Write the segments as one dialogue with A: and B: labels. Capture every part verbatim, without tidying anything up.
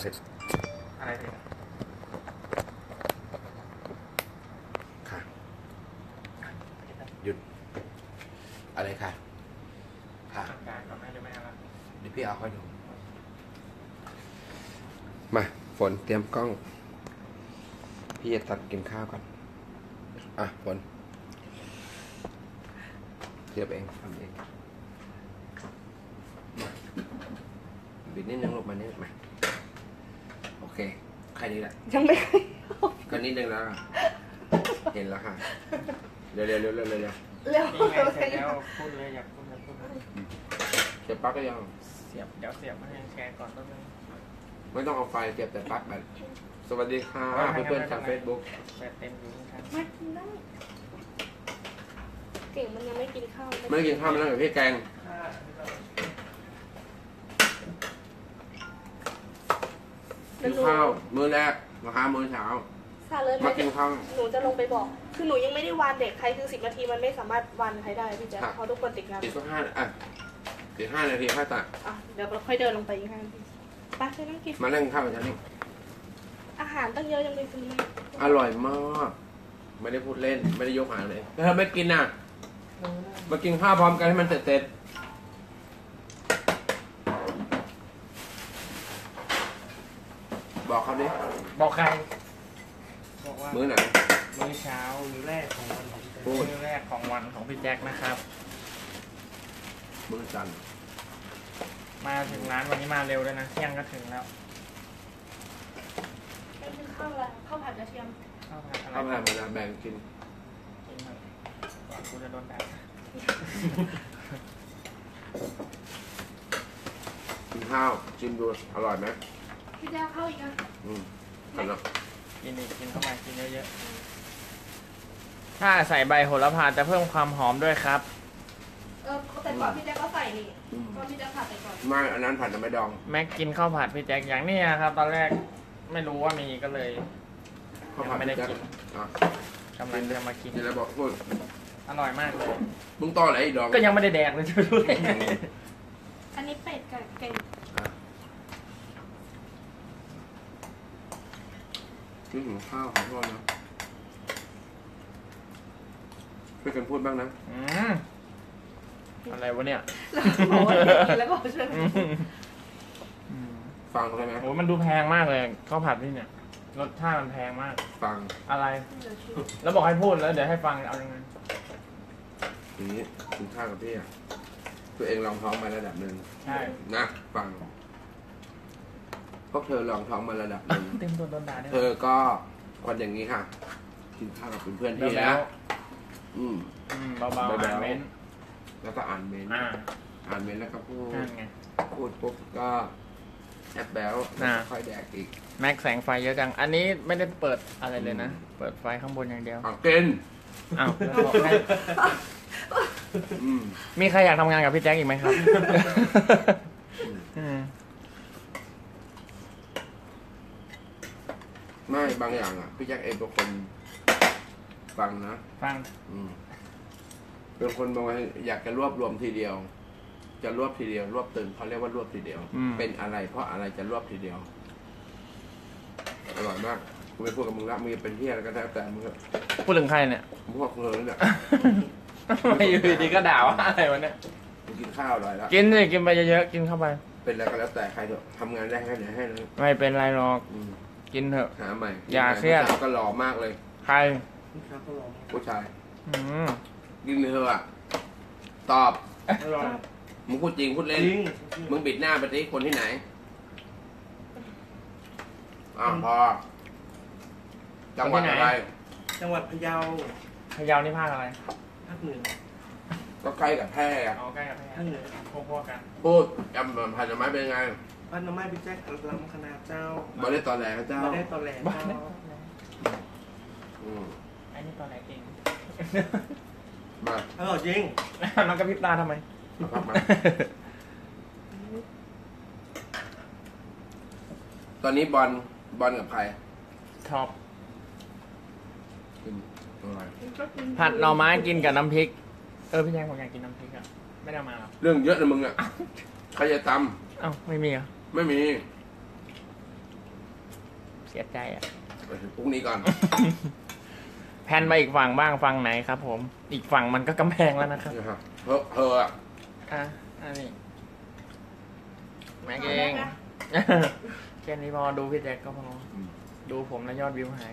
A: เสร็จอะไรเนี่ยค่ะหยุดอะไรค่ะค่ะการก่อนไหมหรือไม่ครับเดี๋ยวพี่เอาค่อยดูมาฝนเตรียมกล้องพี่จะตัดกินข้าวก่อนอ่ะฝนเทียบเองทำเองบิดนิดนึงลงมานิดมาโอเคใครนี่แหละ
B: ยังไม่เคย
A: ก็นิดนึงแล้วเห็นแล้วค่ะเร็วเร็วเร็วเร็วเร็วเร็ว
B: เร็ว
C: เสร็จแล้วพูดเลยอยากพูดเลยพูดเลย
A: เสียบปลั๊กก็ยัง
C: เสียบเดี๋ยวเสียบมาให้แชร์ก่อนแป๊บนึง
A: ไม่ต้องเอาไฟเสียบแต่ปลั๊กแบบสวัสดีค่ะเพื่อนๆทางเฟซบุ๊ก
C: เต็มอยู่ครับ
B: มากินได้เก่งมันยังไม่กินข้าว
A: ไม่กินข้าวมันแล้วกับพี่แกงกินข้าวมื้อแรกนะคะมื้อเช้า
B: ซาเลย
A: มากินข้าว
B: หนูจะลงไปบอกคือหนูยังไม่ได้วานเด็กใครคือสิบนาทีมันไม่สามารถวานใครได้พี่แจ๊คเพราะทุกคนติดงาน
A: อีกสักห้าอ่ะอีกห้านาทีค่อยตัด
B: อ่ะเดี๋ยวเราค่อยเดินลงไปอีกห้านาทีไปไปนั่งกิน
A: มานั่งข้าวกันนี่
B: อาหารตั้งเยอะยังไปซื้อมา
A: อร่อยมากไม่ได้พูดเล่นไม่ได้ยกหางเลยถ้าไม่กินน่ะมากินข้าวพร้อมกันให้มันเสร็จบอกเขาดิ
C: บอกใครบอกว่า
A: มื้อไหน
C: มื้อเช้ามื้อแรกของวันของมื้อแรกของวันของพี่แจ็คนะครับ
A: มื้อจันทร์
C: มาถึงร้านวันนี้มาเร็วเลยนะเที่ยงก็ถึงแล้ว
B: ไม่กินข้าวอะไรข้าวผัดกระเทียม
C: ข้าวผัดอะไร
A: ข้าวผัดมาแบ่งกิน
C: กินหน่อยก่อนกูจะโดนด่า
A: กินข้าวชิมดูอร่อยไหม
B: พี่แจ๊คข้าวอีกอ่ะ
A: อืมกันเนาะ
C: กินอีกกินเข้ามากินเยอะๆถ้าใส่ใบโหระพาจะเพิ่มความหอมด้วยครับ
B: เออแต่ก่อนพี่แจ๊คก็ใส่นี่ก็พี่แจ๊คผัดไปก่อน
A: ไม่อันนั้นผัดแต่ไม่ดอง
C: แม็กกินข้าวผัดพี่แจ็คอย่างนี้ครับตอนแรกไม่รู้ว่ามีก็เลยยังไม่ได้กินกำลังจะมากิน
A: นี่แล้วบอกพูด
C: อร่อยมากเลย
A: มึงต่ออะไรดอง
C: ก็ยังไม่ได้แดกเลยจะรู้ได้ไง
B: อันนี้เป็ดกับไก่
A: นี่หิวข้าวขอโทษนะช่วยกันพูดบ้างนะ
C: อืมอะไรวะเนี่ย
B: แล้วก็ช่วย
A: ฟังใช่ไหม
C: โอ้มันดูแพงมากเลยข้าวผัดนี่เนี่ยรสชาติมันแพงมาก
A: ฟัง
C: อะไรแล้วบอกให้พูดแล้วเดี๋ยวให้ฟังเอายังไง
A: ทีนี้กินข้าวกับพี่อ่ะตัวเองลองท้องมาระดับหนึ่ง
C: ใช่
A: นะฟังพวกเธอลองท้องมาระดับหนึ่ง
C: เต็มตัวโดนด่า
A: เธอก็คนอย่างนี้ค่ะกินข้าวกับเพื่อนๆพี่แล้วอืม
C: เบาๆอ่านเม้น
A: แล้วก็อ่านเมนอ่านเมนแล้วก็พูดพูดปุ๊บก็แอปแบลค่อยแดกอีก
C: แม็กแสงไฟเยอะจังอันนี้ไม่ได้เปิดอะไรเลยนะเปิดไฟข้างบนอย่างเดียว
A: อ้าวกิน
C: อ้าวบอกให้มีใครอยากทำงานกับพี่แจ็คอีกไหมครับ
A: ไม่บางอย่างอ่ะพี่แจ็คเองเป็นคนฟังนะ
C: ฟัง
A: เป็นคนบางทีอยากจะรวบรวมทีเดียวจะรวบทีเดียวรวบตึงเขาเรียกว่ารวบทีเดียวเป็นอะไรเพราะอะไรจะรวบทีเดียวอร่อยมากกูไม่พูดกับมึงละมึงเป็นเที่ยอะไรก็แล้วแต่มึง
C: พูดถึงใครเนี่ย
A: มึงพวกเธอเนี่ย
C: ไม่อยู่ดีก็ด่าว่าอะไรวะเนี่ย
A: มึงกินข้าวอร่อยแล้ว
C: กินเลยกินไปเยอะๆกินเข้าไป
A: เป็นอะไรก็แล้วแต่ใครเถอะทำงานได้แค่ไหนให้เลย
C: ไม่เป็นไรหรอกกินเถอะ
A: หาใหม่
C: อย่าเครียด
A: ก็หล่อมากเลย
C: ใคร
A: ผู้ชายกินเถอะตอบมึงพูดจริงพูดเล่นมึงบิดหน้าไปที่คนที่ไหนอ้าวพอจังหวัดอะไร
C: จังหวัดพะเยาพะเยานี่ภาคอะไรภาคเหนือ
A: ก็ใกล้กับแพร่
C: อ๋อใกล้กับแพร่ภาคเหนือพอๆกัน
A: พูดจำพันธุ์ไม้เป็นไง
C: พันธุ์ไม้พี่แจ็คลำคณะเจ้า
A: บ่ได้ตอนแหลเจ้า
C: บ่ได้ตอนแหลเจ้าอันนี้ตอนแหลเอง
A: มา
C: เออจริงมันกระพริบตาทำไม
A: ตอนนี้บอลบอลกับใคร
C: ท็อป
A: กินอะไร
C: ผัดหน่อไม้กินกับน้ำพริกเออพี่แจ็คผมอยากกินน้ำพริกอ่ะไม่ได้มาหรอ
A: เรื่องเยอะนะมึงอ่ะใครจะต
C: ำอ้าวไม่มีอ่ะ
A: ไม่มี
C: เสียใจอ่ะ
A: ไปถึงพรุ่งนี้ก่อน
C: แพนมาอีกฝั่งบ้างฝั่งไหนครับ ผม อีกฝั่งมันก็กำแพงแล้วนะครับ
A: นะครับเธอเธออะ
C: อ่ะอันนี้แม็กเอง แค่นี้พอดูพี่แจ็คก็พอดูผมแล้วยอดวิวหาย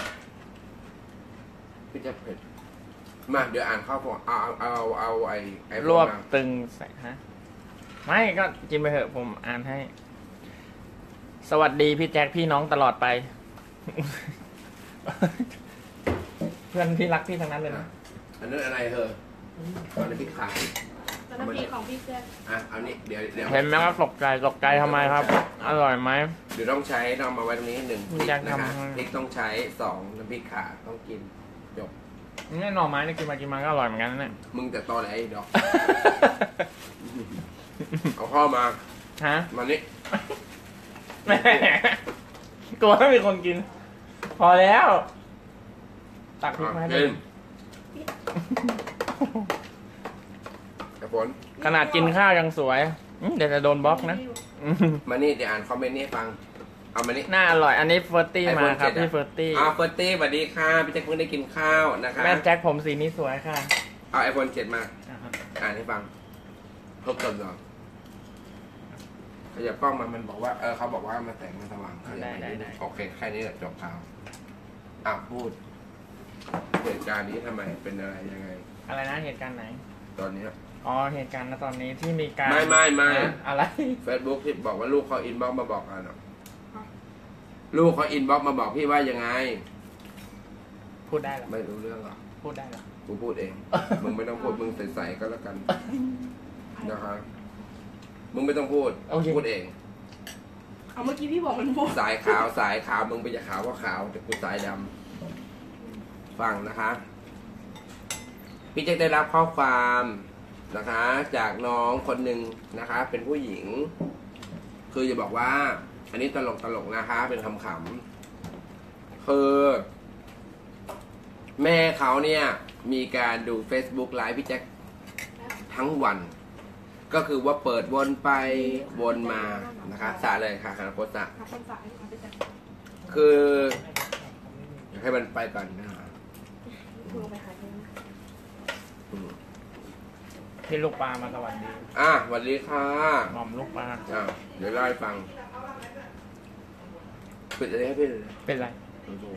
A: พี่จะเผ็ดมาเดี๋ยวอ่านข้าวของเอาเอาเอาเอาไอ้ไอ้
C: รวบ
A: มา
C: ตึงใส่ฮะไม่ก็กินไปเถอะผมอ่านให้ สวัสดีพี่แจ็คพี่น้องตลอดไป เพื่อนพี่รักพี่ทั้งนั้นเลยนะ
A: อันนั้นอะไรเธออันนี้พริกขาว
B: แล้วน้ำพริกของพี่แจ๊ค
A: อ่ะเอานี้เดี๋ยวเดี๋ยว
C: เห็นไหมครับตกใจตกใจทำไมครับ อร่อยไหม
A: เดี๋ยวต้องใช้ต้องเอามาไว้ตรงนี้หนึ่งพริก
C: อยาก
A: นะ
C: ทำ
A: คะ
C: ให้
A: พริกต้องใช้สองน้ำพริกขาต้องกินจบ
C: นี่หน่อไม้นี่กินมากินมาก็อร่อยเหมือนกันนะเนี่ย
A: มึงแต่ตอแหลไอ้ดอก เอาข้าวมา
C: ฮะ
A: มานี่
C: แม่กลัวไม่มีคนกิน พอแล้ว ตักพริกมาให้
A: กิ
C: ดู
A: นกระฝน
C: ขนาดกินข้าวยังสวยอืมเดี๋ยวจะโดนบล็อกนะอืม
A: มานี่เดี๋ยวอ่านคอมเมนต์นี้ให้ฟัง เอามานี่
C: น่าอร่อย อันนี้เฟิร์ตี้
A: ไอโฟ
C: มาน ครับ
A: เจ็ดอะ
C: พี่เฟิร์ตี้
A: อ้าวเฟิร์สตี้สวัสดีค่ะพี่แจ็คเพิ่งได้กินข้าวนะคะ
C: แม่แจ็คผมสีนี้สวยค่ะ
A: เอาไอโฟนเจ็ดมา
C: อ่าฮะ
A: อ่านให้ฟังทบทวนก่อนขยับกล้องมามันบอกว่าเออเขาบอกว่ามันแสงมันสว่างขยับไปนิดนึงโอเคแค่นี้แหละจบข่าวอ่ะพูดเหตุการณ์นี้ทำไมเป็นอะไรยังไง
C: อะไรนะเหตุการณ์ไหน
A: ตอนเนี้ย
C: อ๋อเหตุการณ์ณตอนนี้ที่มีการ
A: ไม่ไม่ไม่
C: นะอะไร
A: เฟซบุ๊กที่บอกว่าลูกเขาอินบ็อกซ์มาบอกกันอะลูกเขาอินบ็อกซ์มาบอกพี่ว่ายังไง
C: พูดได้เหรอ
A: ไม่รู้เรื่องหรอก
C: พูดได้เหรอ
A: กูพูดเอง มึงไม่ต้องพูดมึงใส่ๆก็แล้วกันนะครับมึงไม่ต้องพูด
C: โอเค
A: พูดเอง
B: เอาเมื่อกี้พี่บอกมันพูด
A: สายขาวสายขาวมึงไปจะขาวก็ขาวแต่กูสายดำฟังนะคะ พี่แจ็คได้รับข้อความนะคะ จากน้องคนหนึ่งนะคะ เป็นผู้หญิง คือจะบอกว่า อันนี้ตลกตลกนะคะ เป็นคำขำๆคือ แม่เขาเนี่ยมีการดู Facebook ไลฟ์พี่แจ็คทั้งวัน ก็คือว่าเปิดวนไปวนมานะคะสาเลยค่ะคาราโคสะ
B: หาคนสายหาพี่แจ๊ค
A: คืออยากให้มันไปก่อนนะฮะ
B: ลงไปหาเอง
A: อืม
C: พี่ลูกปลามาสวัสดี
A: อ่ะสวัสดีค่ะ
C: หม่อมลูกปลา
A: อ่ะเดี๋ยวเล่าให้ฟังปิดอะไรให้พี่เลย
C: เป็นไร
A: ดู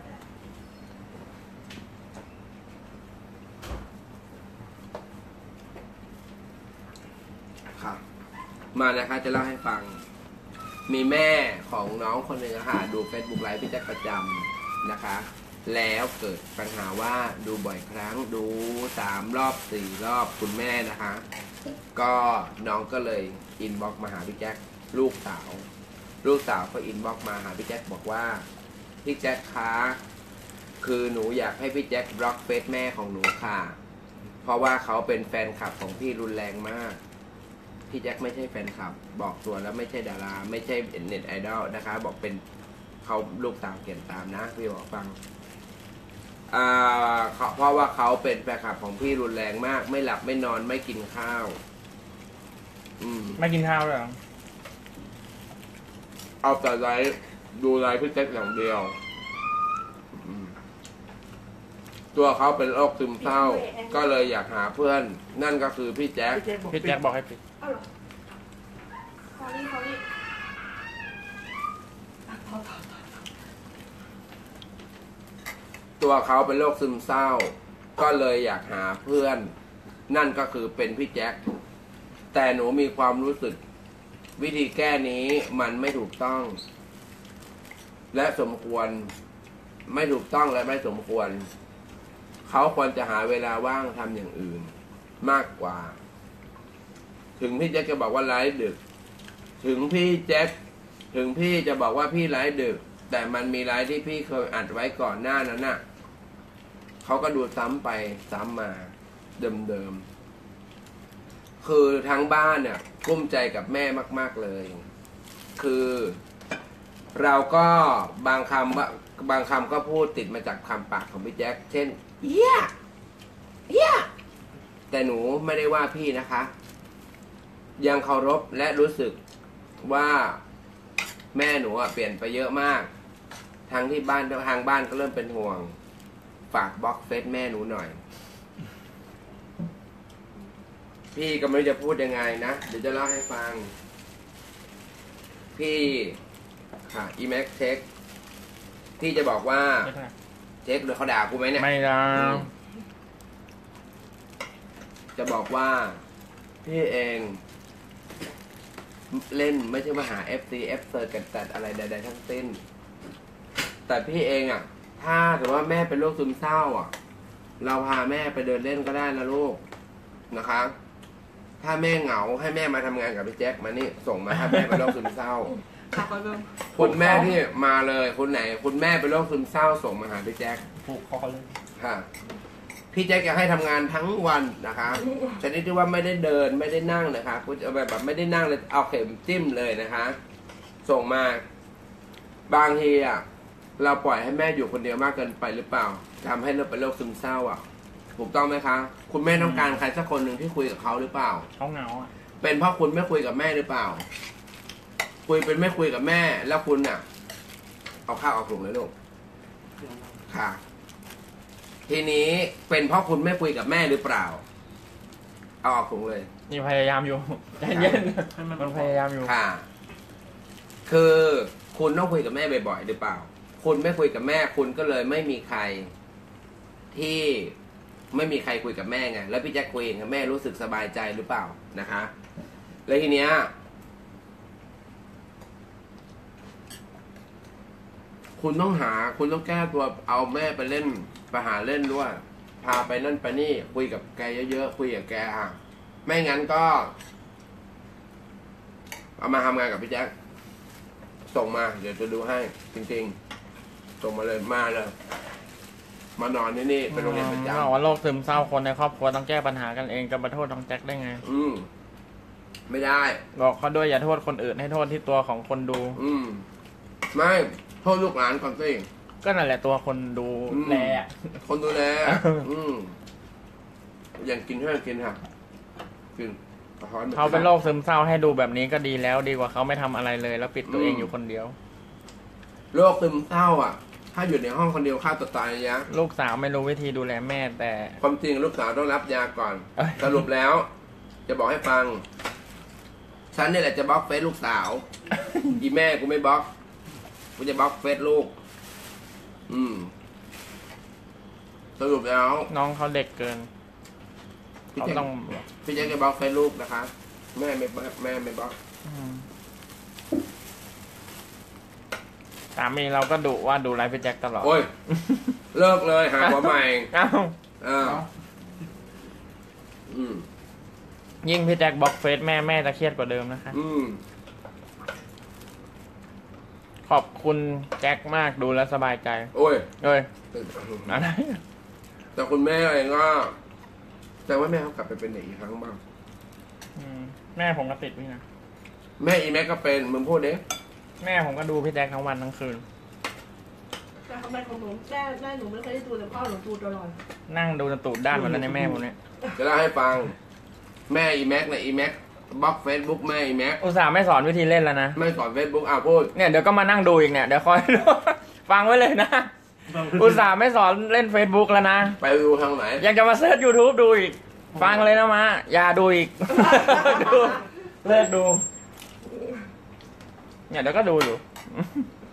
A: ค่ะมานะคะจะเล่าให้ฟัง มีแม่ของน้องคนหนึ่งอะค่ะดู Facebook ไลฟ์พี่แจ็คประจำนะคะ แล้วเกิดปัญหาว่าดูบ่อยครั้งดูสามรอบสี่รอบคุณแม่นะคะ ก็น้องก็เลยอินบ็อกซ์มาหาพี่แจ็คลูกสาว ลูกสาวก็อินบ็อกซ์มาหาพี่แจ็คบอกว่าพี่แจ็คคะคือหนูอยากให้พี่แจ็คบล็อกเฟซแม่ของหนูค่ะ เพราะว่าเขาเป็นแฟนคลับของพี่รุนแรงมากพี่แจ็คไม่ใช่แฟนคลับ บอกตัวแล้วไม่ใช่ดารา ไม่ใช่เน็ตไอดอลนะคะ บอกเป็นเขาลูกสาวเขียนตามนะพี่บอกฟังอ่าเพราะว่าเขาเป็นแฟนคลับของพี่รุนแรงมาก ไม่หลับไม่นอนไม่กินข้าว อืม
C: ไม่กินข้าวเลยเหรอ
A: เอาแต่ไลฟ์ดูไลฟ์พี่แจ็คอย่างเดียวอืมตัวเขาเป็นโรคซึมเศร้า ก็เลยอยากหาเพื่อน นั่นก็คือพี่แจ็ค
C: พี่แจ็คบอกให้ปิด
B: เอาเหรอคอรี่คอรี่อ่ะต่อต่อต่อ
A: ตัวเขาเป็นโรคซึมเศร้า ก็เลยอยากหาเพื่อน นั่นก็คือเป็นพี่แจ็คแต่หนูมีความรู้สึก วิธีแก้นี้มันไม่ถูกต้อง และสมควรไม่ถูกต้องและไม่สมควร เขาควรจะหาเวลาว่างทำอย่างอื่น มากกว่า ถึงพี่แจ็คจะบอกว่าไลฟ์ดึก ถึงพี่แจ็คถึงพี่จะบอกว่าพี่ไลฟ์ดึก แต่มันมีไลฟ์ที่พี่เคยอัดไว้ก่อนหน้านั้นน่ะเขาก็ดูซ้ำไปซ้ำมา เดิมๆคือทั้งบ้านเนี่ยกุ้มใจกับแม่มากๆเลย คือเราก็บางคำว่าบางคำก็พูดติดมาจากคำปากของพี่แจ็คเช่นเฮียเฮียแต่หนูไม่ได้ว่าพี่นะคะ ยังเคารพและรู้สึกว่าแม่หนูอะเปลี่ยนไปเยอะมากทางที่บ้านทางบ้านก็เริ่มเป็นห่วง ฝากบล็อกเฟซแม่หนูหน่อย พี่ก็ไม่รู้จะพูดยังไงนะเดี๋ยวจะเล่าให้ฟัง พี่ค่ะอีแม็กเช็คพี่จะบอกว่าเช็คโดยเขาด่ากูไหมเนี่ย
C: ไม่ได้
A: จะบอกว่าพี่เองเล่นไม่ใช่มาหา เอฟ ซี เอฟ เซอร์กันแต่อะไรใดๆทั้งสิ้นแต่พี่เองอ่ะถ้าถือว่าแม่เป็นโรคซึมเศร้าอ่ะเราพาแม่ไปเดินเล่นก็ได้นะลูกนะคะถ้าแม่เหงาให้แม่มาทำงานกับพี่แจ็คมานี่ส่งมาถ้าแม่เป็นโรคซึมเศร้าคุณแม่ที่มาเลยคุณไหนคุณแม่เป็นโรคซึมเศร้าส่งมาหาพี่แจ็ค
C: ผูกคอเลย
A: ค่ะพี่แจ็คจะให้ทำงานทั้งวันนะคะแต่นี่ที่ว่าไม่ได้เดินไม่ได้นั่งนะคะคุณจะแบบแบบไม่ได้นั่งเลยเอาเข็มจิ้มเลยนะคะ ส่งมาบางทีอ่ะเราปล่อยให้แม่อยู่คนเดียวมากเกินไปหรือเปล่าทำให้เราเป็นโรคซึมเศร้าอ่ะถูกต้องไหมคะคุณแม่ต้องการใครสักคนหนึ่งที่คุยกับเขาหรือเปล่า
C: เขาเหงาอ่ะ
A: เป็นเพราะคุณไม่คุยกับแม่หรือเปล่าคุยเป็นไม่คุยกับแม่แล้วคุณอ่ะเอาข้าวเอาถุงเลยลูกค่ะทีนี้เป็นเพราะคุณไม่คุยกับแม่หรือเปล่าเอาออกถุงเลย
C: นี่พยายามอยู่ใจเย็นมันพยายามอยู่
A: ค่ะคือคุณต้องคุยกับแม่บ่อยๆหรือเปล่าคุณไม่คุยกับแม่คุณก็เลยไม่มีใครที่ไม่มีใครคุยกับแม่ไงแล้วพี่แจ็คคุยกับแม่รู้สึกสบายใจหรือเปล่านะคะแล้วทีเนี้ยคุณต้องหาคุณต้องแก้ตัวเอาแม่ไปเล่นไปหาเล่นด้วยพาไปนั่นไปนี่คุยกับแกเยอะๆคุยกับแกอ่ะไม่งั้นก็เอามาทำงานกับพี่แจ็คส่งมาเดี๋ยวจะดูให้จริงๆส่งมาเลยมาเลยมานอนที่นี่เป็นโรงเรียนประจำ
C: บอกว่าโรคซึมเศร้าคนในครอบครัวต้องแก้ปัญหากันเองจะมาโทษน้องแจ็คได้ไง
A: อืมไม่ได้
C: บอกเขาด้วยอย่าโทษคนอื่นให้โทษที่ตัวของคนดู
A: อืมไม่โทษลูกหลานก่อนสิ
C: ก็นั่นแหละตัวคนดูแล
A: คนดูแลอืมอย่างกินให้กินค่ะกิน
C: เขาเป็นโรคซึมเศร้าให้ดูแบบนี้ก็ดีแล้วดีกว่าเขาไม่ทำอะไรเลยแล้วปิดตัวเองอยู่คนเดียว
A: โรคซึมเศร้าอ่ะถ้าอยู่ในห้องคนเดียวฆ่าตัวตายนะ
C: ลูกสาวไม่รู้วิธีดูแลแม่แต่
A: ความจริงลูกสาวต้องรับยาก่อนสรุปแล้ว จะบอกให้ฟังฉันนี่แหละจะบล็อกเฟซลูกสาวอีแม่กูไม่บล็อกกูจะบล็อกเฟซลูกอืมสรุปแล้ว
C: น้องเขาเด็กเกินเขาต้อง
A: พี่แจ็คจะบล็อกเฟซลูกนะคะแม่ไม่แม่ไม่บล็อก
C: สามีเราก็ดุว่าดูไลฟ์พี่แจ็คตลอด
A: โอ้ยเลิกเลยหาหัวใหม่
C: เอ้า
A: อ้าวอืม
C: ยิ่งพี่แจ็คบล็อกเฟซแม่แม่จะเครียดกว่าเดิมนะคะ
A: อืม
C: ขอบคุณแจ็คมากดูแลสบายใจ
A: โอ้ย
C: เอ้ยอะไร
A: แต่คุณแม่เองก็แต่ว่าแม่เขากลับไปเป็นเด็กอีกครั้งบ้าง
C: แม่ผมก็ติดนี่นะ
A: แม่อีแม็กก็เป็นมึงพูดเด้
C: แม่ผมก็ดูพี่แจ็คทั้งวันทั้งคืน
B: แต่ทำไมของหนูแม่แม่หนูไม่เคยได้ดูแต่พ่อหนูดูตลอด
C: นั่งดูจนตูดด้านหมดแล้วในแม่ผมเนี่ย
A: จะเล่าให้ฟังแม่อีแม็กเนี่ยอีแม็กบล็อกเฟซบุ๊กแม่อีแม็ก
C: อุตส่าห์ไม่สอนวิธีเล่นแล้วนะ
A: ไม่สอนเฟซบุ๊กอ่ะพูด
C: เนี่ยเดี๋ยวก็มานั่งดูอีกเนี่ยเดี๋ยวคอยฟังไว้เลยนะอุตส่าห์ไม่สอนเล่นเฟซบุ๊กแล้วนะ
A: ไปดูทางไหน
C: ยังจะมาเซิร์ชยูทูบดูอีกฟังเลยนะมาอย่าดูอีกดูเลิกดูเนี่ยเดี๋ยวก็ดูอยู่